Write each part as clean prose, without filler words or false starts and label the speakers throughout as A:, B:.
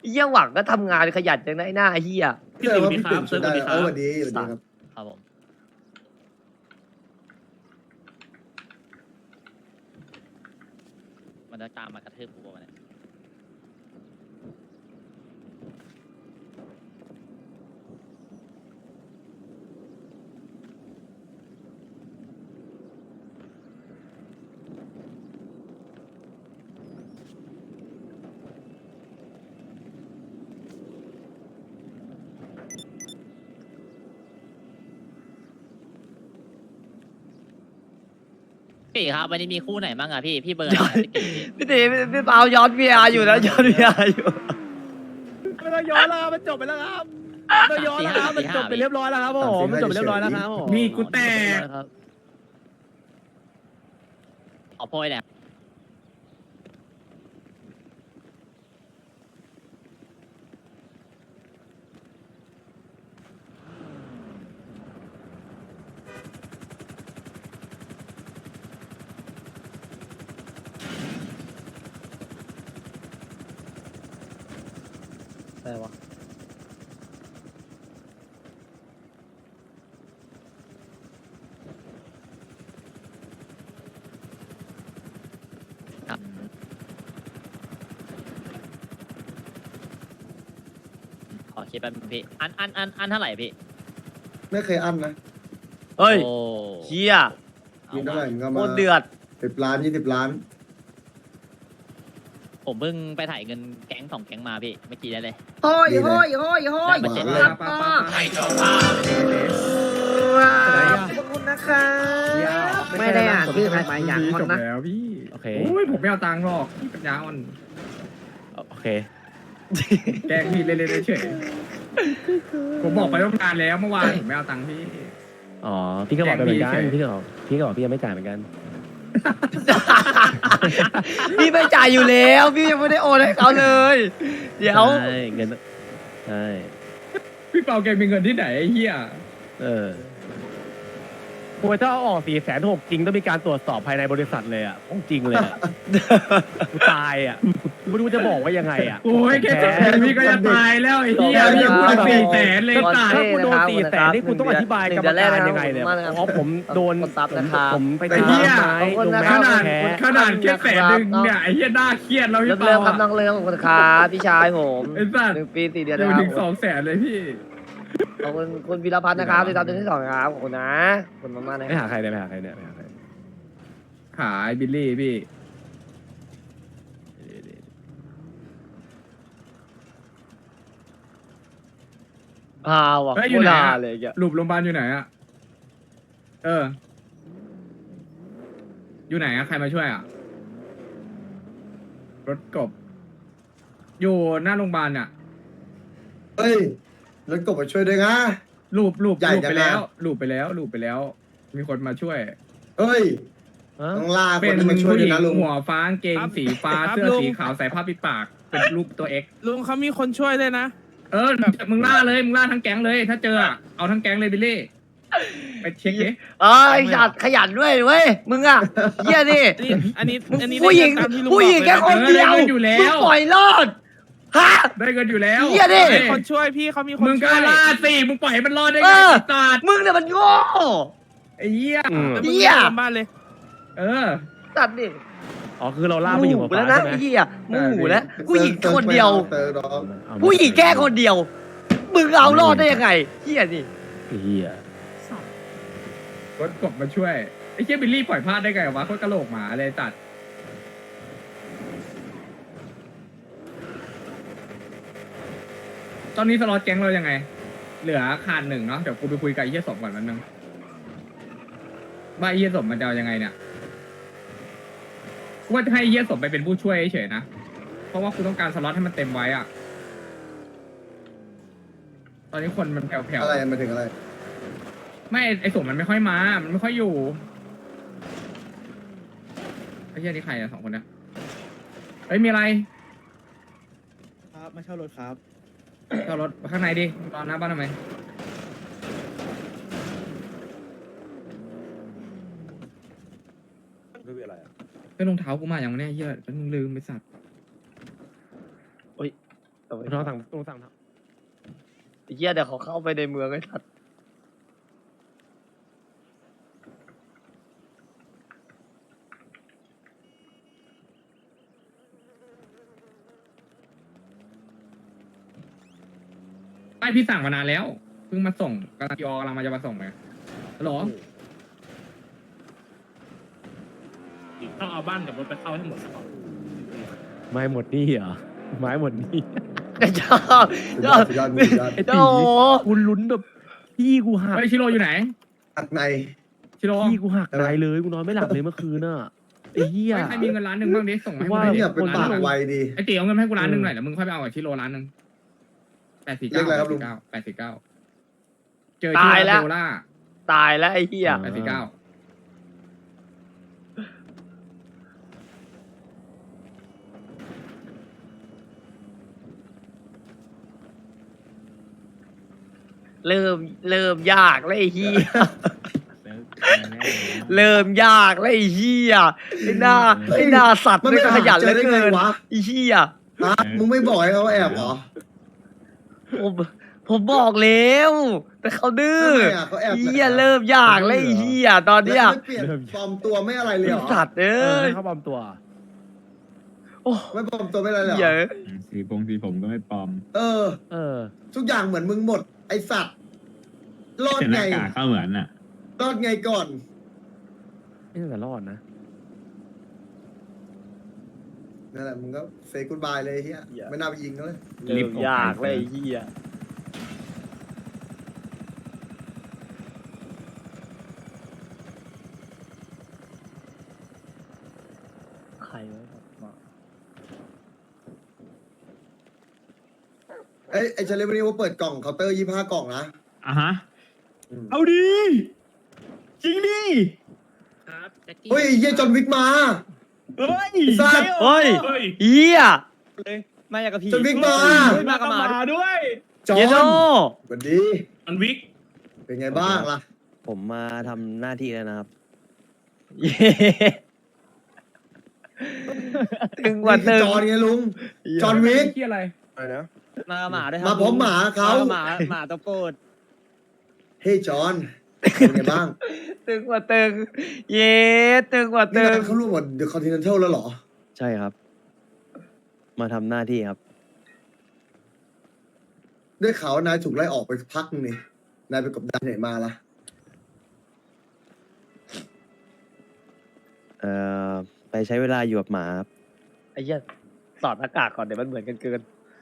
A: เหี้ยหวังก็ทำงานขยันจังนะไอ้หน้าเหี้ย
B: พี่ติ๋วดีครับเซิร์ฟดีครับ
C: สวัสดีครับ
A: ครับผมมันจะตามมากระทืบกูป่ะเนี่ยพี่ครับวันนี้มีคู่ไหนบ้างอะพี่เบิร์นพี่ตีพี่เปาย้อนวีอาร์อยู่นะย้อนวีอาร์อยู่
D: ไม่ต้องย้อนแล้วครับมันจบไปแล้วครับไม่ต้องย้อนแล้วครับมันจบไปเรียบร้อยแล้วครับผมมันจบไปเรียบร้อยแล้วครับผม
B: มีกูแตก
A: ขอโพยเนี่ยอะไรวะครับขอคิดแป๊บนึงพี่อันเท่าไหร่พี่
C: ไม่เคยอั้นนะ
A: เฮ้ยเฮีย
C: มีเท่าไหร่ก็
A: โค
C: มา
A: ตรเดือด
C: 10 ล้าน 20 ล้าน
A: ผมเพิ่งไปถ่ายเงินแก๊ง2 แก๊งมาพี่เมื่อกี้ได้เลย
E: โฮ้ยโฮ้ยโฮ้ยโฮ้ย
A: ได้มาเจ็ด
E: ครับ
B: ป้า
E: ก็
B: ป้า
E: ขอบคุณนะคะไม่ได้อ่านชื่อใครมาอย่างคน
B: จบ
E: นะ
B: แล้วพี่
D: โอเค
B: โอ้ยผมไม่เอาตังค์หรอกพี่ปัญญาอ่อน
D: โอเค
B: แกล้งพี่เล่นๆเฉยผมบอกไปตั้งนานแล้วเมื่อวานผมไม่เอาตังค์พี่
D: อ๋อพี่ก็บอกไปเหมือนกัน
B: แกล้งพี่
D: พี่ก็บอกพี่ยังไม่จ่ายเหมือนกัน
A: พี่ไม่จ่ายอยู่แล้วพี่ยังไม่ได้โอนให้เขาเลย เดี๋ยว
D: ใช่เงินใช่
B: พี่เปาแกมีเงินที่ไหนไอ้เหี้ย
D: โอ้ยถ้าเอาออก460,000จริงต้องมีการตรวจสอบภายในบริษัทเลยอ่ะของจริงเลยอะกูตายอ่ะไม่รู้จะบอกว่ายังไงอ่ะ
B: โอ้ยแค่จบแค่พี่ก็จะตายแล้วไอ้เหี้ยพี่ยังพูด400,000เลยตัด
D: ถ้าคุณโดน400,000นี่คุณต้องอธิบายกรรมการยังไงเลยเพราะผมโดน
A: คนซับนะครับ
D: ผมไป
B: ไอ้เหี้ย
D: ไม้ลง
B: ข
D: แม่
B: นาด
D: แพ้
B: ขนาดแค่100,000เนี่ยไอ้เหี้ยน่าเครียดแล้วพี่
A: เริ่ม
B: เปา
A: เริ่มครับน้องเริ่มขอบคุณครับพี่ชายผม
B: ไอ้สัตว์
A: 1 ปี 4 เดือน
B: เดี๋ยว
A: นะค
B: ถึ
A: รับ
B: ง200,000เลยพี่
A: ขอบคุณคุณวีรพัฒน์นะครับที่ทำเดือนที่ 2ครับขอบคุณนะขอบคุณมากๆนะ
D: ไม่หาใครเลยไม่หาใครเนี่ยไม่หาใคร
B: ขายบิลลี่พี่
A: พาวอ่ะ
B: เฮ้ยอ
A: โค
B: ยู่
A: ต
B: ไหน
A: ร
B: อะ
A: เลยอ่ะ
B: หลุมโรงพยาบาลอยู่ไหนอะเออ อยู่ไหนอะใครมาช่วยอะรถกบ อยู่หน้าโรงพยาบาลอะ
C: เฮ้ยรถกบมาช่วยด้วยนะ
B: ลูบ
C: ใหญ่
B: ลูบ
C: จั
B: ไป
C: ง
B: แล้ว
C: อะ
B: ลูบไปแล้วลูบไปแล้ว มีคนมาช่วย
C: เฮ้ย
D: ฮะ
C: ต้องล่าค
B: เป็น น
C: ที่มาช่วย
B: ผู้ห
C: ด้ว
B: ญิ
C: ย
B: ง
C: นะลุง
B: หัวฟ้ากางเกงสีฟ้า
F: ครับ
B: เสื้อ
F: ลุง
B: สีขาวใส่ผ้าปิดปาก เป็นรูปตัวเอ็ก
F: ลุงเขามีคนช่วยเลยนะ
B: เออมึงล่าเลยมึงล่าทั้งแก๊งเลย ถ้าเจออะเอาทั้งแก๊งเลยบิลลี่ ไปเช็คดิ
A: เอ้ยขยันด้วยเว้ยมึงอ่ะเฮียนี่
F: นี่อันนี้อันนี้
A: ผู้หญิง
F: ได้ตามที่ลุ
A: ผู้หญิง
F: บ
A: แค่
F: อก
A: ค
F: เลยะ
A: นเดียว
B: ได้เงินอยู่แล้ว
A: มึงปล่อยรอดฮะ
B: ได้เงินอยู่แล้ว
A: เหี้ยดิ
F: มีคนช่วยพี่เขามีคน
B: มึงก็
F: ช่วย
B: ล่าสิมึงปล่อยให้มันรอดได้
A: เอ
B: ไง
A: อ
B: ไอ้สัตว์
A: มึงเนี่ยมันโง่
B: ไอ้เหี้ย
D: อืม
F: แล้ว
A: เหี้
F: มึง
A: ย
F: กลับบ้านเลย
B: เออ
A: ตัดดิ
D: อ๋อคือเราล่าผู้หญิงหัว
A: หมู
D: ฟ้า
A: แล้วนะ
D: ใช่ไหม
A: ไอ้เหี้ยหมูแล้ว
C: เออ
A: ผู้หญิงคนเดียว
C: เติร์ดน้อง
A: ผู้หญิงแค่คนเดียว มึงเอารอดได้ยังไงเหี้ยนี่
D: เฮีย
B: รถกบมาช่วย ไอ้เหี้ยบิลลี่ปล่อยพลาดได้ไงวะโคตรกระโหลกหมาเลยตัด ตอนนี้สล็อตแก๊งเรายังไง เหลือขาด1เนาะ เดี๋ยวกูไปคุยกับไอ้เหี้ยสมก่อนมันนึงว่าไอ้เหี้ยสมมันจะเอายังไงเนี่ยกูว่าจะให้ไอ้เหี้ยสมไปเป็นผู้ช่วยเฉยๆนะ เพราะว่ากูต้องการสล็อตให้มันเต็มไว้อะตอนนี้คนมันแผ่ว
C: อะไรมาถึงอะไร
B: ๆไม่ไอ้สมมันไม่ค่อยมา มันไม่ค่อยอยู่ ไอ้เหี้ยนี่ใครอะ2 คนเนี่ยเอ้ยมีอะไร
G: ครับมาเช่ารถครับ
B: จอดรถข้างในดิรอหน้าบ้านทำไมเป็นรองเท้ากูมาอย่างเนี้ยเหี้ยแล้วมึงลืมไปสัตว์
D: ลองสั่งลองสั่ง
A: ไอ้เหี้ยเดี๋ยวเขาเข้าไปในเมืองไอ้สัตว์
B: ไม่พี่สั่งมานานแล้วเพิ่งมาส่งกำลังยอกำลังมาจะมาส่งไปฮัลโหล
F: ต้องเอาบ้านกับรถไปเข้าให้หมดก่อน
D: ไม้หมดนี่เหรอไม้หมดนี่
A: ไอ้ชอบชอบ
C: สุดยอดสุดยอด
D: ไอ้
A: โอ้
D: ตี
A: โห
D: กูลุ้นแบบพี่กูหัก
B: เฮ้ยชิโร่อยู่ไหน
C: อัดใน
B: ชิโร่
D: พี่กูหักใจเลยกูนอนไม่หลับเลยเมื่อคืนน่ะไอ้เหี้ย
B: ใครมีเงินล้านหนึ่งบ้างดิส่งมาให้กู
D: ว่า
B: หน่อยดิ
C: เนี่ยเป็นปากไวดี
B: ไอ้เตี๋ยวเอาเงินมาให้กูล้านหนึ่งหน่อยเดี๋ยวมึงค่อยไปเอากับชิโร่ล้านหนึ่ง849
C: เลขอะไรครับลุง
B: 849เจอชิโร่โคล่า
A: ตายแล้วไอ้เหี้ย
B: 849
A: เริ่มยากแล้วไอ้เหี้ยเริ่มยากแล้วไอ้เหี้ยไอ้หน้าสัตว์
C: มัน
A: ไม่
C: ไม่
A: ขยัน
C: เจ
A: เหลื
C: อ
A: อ
C: ได้ไง
A: เกิน
C: วะ
A: ไอ้เหี้ย
C: ฮะมึงไม่บอกให้เขาแอบเหรอ
A: ผมบอกแล้วแต่เขาดื้อ
C: ทำไมอ่ะเขาแอบ
A: ไอ้เหี้ยเริ่มยากแล้วไอ้เหี้ยตอนเนี้ย
C: แล้วไม่เปลี่ยนปลอมตัวไม่อะไรเลยเหรอ
A: สัตว์เอ้
D: ให้
A: ย
D: เขาปลอมตัว
A: โอ้
C: ไม่ปลอมตัวไม่อะไรเลยเหร
A: เหี้ย
C: อ
H: สีผมก็ไม่ปลอม
C: เออ
D: เออ
C: ทุกอย่างเหมือนมึงหมด ไอสัตว์รอด
H: แต่ห
C: ไง
H: น้ากากก็เหมือนอ่ะ
C: รอดไงก่อน
D: ไม่น่าจะรอดนะ
C: นั่นแหละมึงก็เซย์กูดบายเลยไอ้เฮียไม่น่าไปยิงเขาเลย
A: เริ่มยากแล้วไอ้เหี้ยใครวะบอก
C: ไอ้เชลเลวันนี้ว่าเปิดกล่องเคาน์เตอร์25 กล่องนะ
H: อ่ะฮะ
C: อืม
H: เอาดี จริงดิ
F: ครับแจ็คกี้
C: เฮ้ยไอ้เฮียจอห์นวิกมา
H: เฮ้ย
C: สัตว์
A: เฮ้ย
F: เฮ้ย
A: เหี้ย
G: มาอยากกับพี่
C: จอห์นวิกมา
H: มากับหมาด้วย
C: จอห์
A: เย
C: น
A: โน
C: สวัสดี
F: มันวิก
C: เป็นไงบ้างล่ะ
G: ผมมาทำหน้าที่แล้วนะครับ
A: เย้ตึงกว่า
C: นี่คือ
A: ตึง
C: จอห์นไงลุง จอห์นวิก
B: ที่อะไร
G: อะไรนะ
E: มากับหมาด้วยครั
C: มาพร้อมหมาเขา
E: หมาตะโกน
C: เฮ้ยจอห์นเป็นไงบ้าง
A: ตึงกว่าตึง เย้ตึงกว่า
C: นี่
A: ตึง
C: งานเขาร่วมกับเดอะคอนติเนนทัลแล้วเหรอ
G: ใช่ครับ มาทำหน้าที่ครับ
C: ได้ข่าวว่านายถูกไล่ออกไปพักนึงนี่นายไปกบดานไหนมาล่ะ
G: ไปใช้เวลาอยู่กับหมาครับ
A: ไอ้เหี้ยสอดหน้ากากก่อนเดี๋ยวมันเหมือนกันเกิน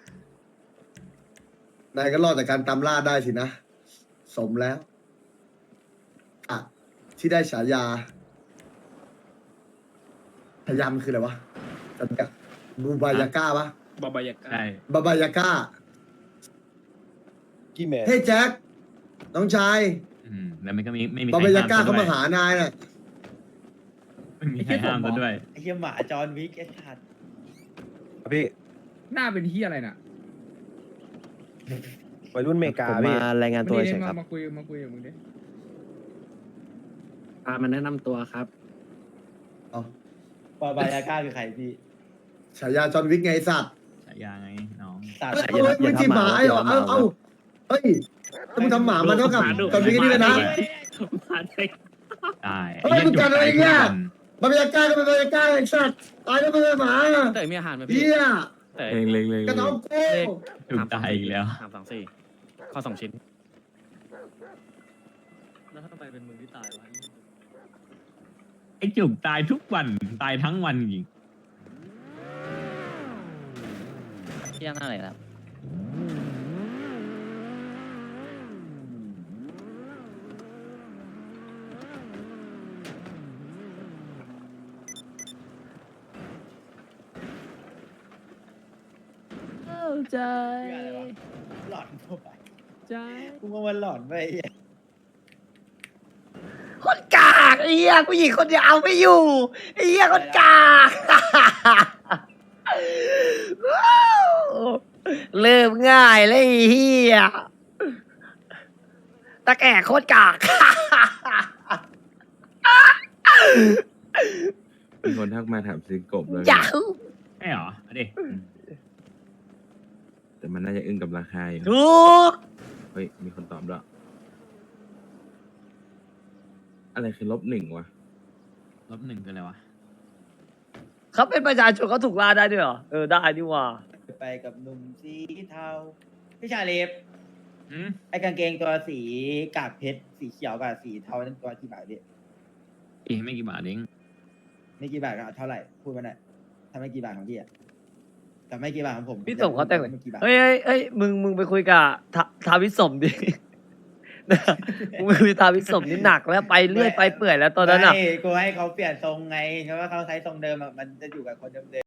C: นายก็รอดจากการตามล่าได้สินะ สมแล้วอ่ะที่ได้ฉายาฉายามันคืออะไรวะจำกัดบูบายาก้าปะ
F: บาบายากา
H: ใช่
C: บาบายาก้า
G: กี่แมน
C: เฮ้ยแจ็คน้องชาย
H: แล้วมันก็ไม่มี
C: บา
H: ใคร
C: บายา
H: ห้าม
C: ก้า
H: ซะ
C: เขา
H: ด้ว
C: มาย หานายน่ะ
H: ไม่มีใครห้ามซะด้วย
G: ไอ้เหี้ยหมาจอห์นวิกไอ้สัตว์พี่
B: หน้าเป็นที่อะไรน่ะ
G: วัยรุ่นเมกาผมมารายงานตัว
B: มา
G: เฉ
B: ดิ
G: ยครับ
B: มาคุยกับมึงดิ
F: มาแนะนำตัวครับ
C: เอา
G: บาบายาก้าคือใครพี่
C: ฉายาจอห์นวิกไงไอ้สัตว์
H: ฉายาไงน้อง
G: สัตว์
C: เอ้ยเอาไม่ใช่หมาไอ้เหรอเอาเฮ้ยถ้ามึงทำหมามันเท่ากับจอห์นวิกนี่เลยนะ
F: มาได้
H: ตาย
C: เฮ้ยมึงกันอะไรเนี่ย บาบายาก้าก็เป็นบาบายาก้าไอ้สัตว์ตายแล้วไม่ใช่หมา
F: เต๋อมีอาหารไหม
C: เฮี
F: พี่
C: ย
F: เต๋อ
H: เล็ง
C: กระน้องกู
H: ถูกตายอีกแล้ว
F: ข้อ2 ชิ้น
A: แล้วทำไมเป็นมึงที่ตายวะ
H: ไอ้จุกตายทุกวัน ตายทั้งวันจริง
A: เที่ยงอะไรครับเข้าใจ
G: หลอนเข้าไป
A: ใจ
G: กูว่ามันหลอนไป
A: คนกากไอ้เหี้ยผู้หญิงคนเดียวเอาไม่อยู่ไอ้เหี้ยคนกากว้าวเริ่มง่ายเลยไอ้เหี้ยตะแก่โคตรกาก
I: มีคนทักมาถามซื้อกบเลย
A: อยาก
H: ใช่เหรอเอาดิ
I: แต่มันน่าจะอึ้งกับราคาอยู่
A: ถูก
I: เฮ้ย มีคนตอบด้วยอะไรคือ-1วะ
H: -1คืออะไรวะ
A: เขาเป็นประชาชนเขาถูกล่าได้ด้วยเหรอได้ดีว่า
J: ไปกับหนุ่มสีเทาพี่ชาลีฟ
H: อืม
J: ไอ้กางเกงตัวสีกากเพชรสีเขียวกับสีเทานั่นตัวกี่บาทพี่
H: อีกไม่กี่บาทเอง
J: ไม่กี่บาทก็เท่าไหร่พูดมาหน่อยถ้าไม่กี่บาทของพี่อะแต่ไม่กี่บาทของผม
A: พี่สมเขาแต่ง
J: ไม่กี่บาท
A: เฮ้ยมึงไปคุยกับทาวิสมดิ มึงไปคุยทาวิสมนี่หนักแล้วไปเรื่อยไปเปื่อยแล้วตอนนั้นอ่ะ
J: ไม่กูให้เขาเปลี่ยนทรงไงเพราะว่าเขาใช้ทรงเดิมอะมันจะอยู่กับคนเดิม